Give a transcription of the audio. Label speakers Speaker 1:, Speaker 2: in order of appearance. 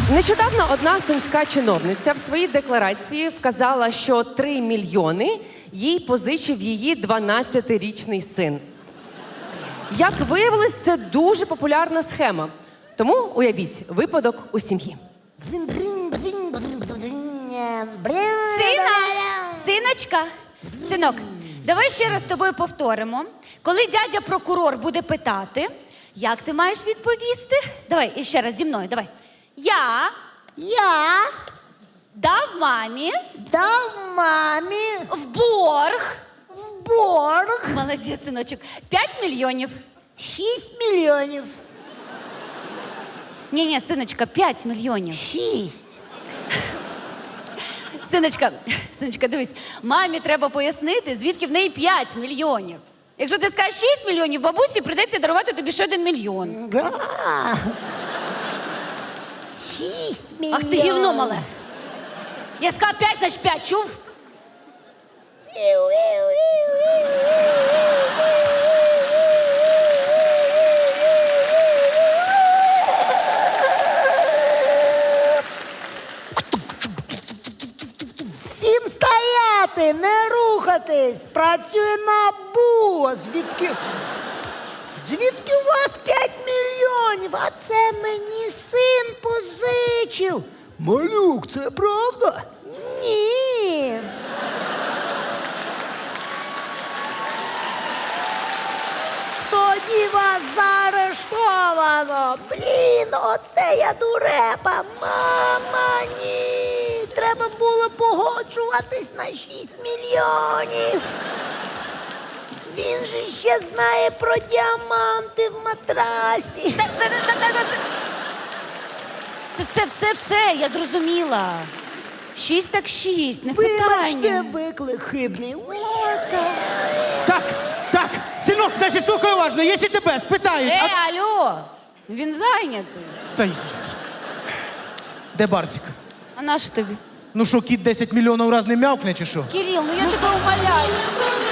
Speaker 1: Нещодавно одна сумська чиновниця в своїй декларації вказала, що 3 мільйони їй позичив її 12-річний син. Як виявилось, це дуже популярна схема. Тому уявіть випадок у сім'ї.
Speaker 2: Синочка, синок, давай ще раз з тобою повторимо. Коли дядя прокурор буде питати, як ти маєш відповісти? Давай, іще раз зі мною, давай. Я дав мамі в борг. Молодець, синочок. 5 мільйонів.
Speaker 3: 6 мільйонів.
Speaker 2: Ні, синочка, 5 мільйонів.
Speaker 3: 6.
Speaker 2: Синочка, дивись, мамі треба пояснити, звідки в неї 5 мільйонів. Якщо ти скажеш 6 мільйонів, бабусі прийдеться дарувати тобі ще 1 мільйон.
Speaker 3: Да. 6 мільйонів.
Speaker 2: Ах ти гівно мале. Я сказала 5, значить 5, чув?
Speaker 3: Всім стояти, не рухатись. Працює НАБУ. Звідки у вас 5 мільйонів? А це мені син позичив. Малюк, це правда? Ні. Тоді вас заарештовано. Блін, оце я дурепа. Мама, ні. Треба було погоджуватись на 6 мільйонів. Він же ще знає про діаманти в матрасі.
Speaker 2: Це все, я зрозуміла. 6 так 6, не в питанні.
Speaker 3: Вибачте, виклик хибний.
Speaker 4: Так, синок, значить, слухай уважно, якщо тебе спитають...
Speaker 2: Алло, він зайнятий.
Speaker 4: Та й... Де Барсик?
Speaker 2: А на що тобі?
Speaker 4: Ну що, кіт 10 мільйонів раз не м'явкне, чи що?
Speaker 2: Кирил, ну я тебе умоляю.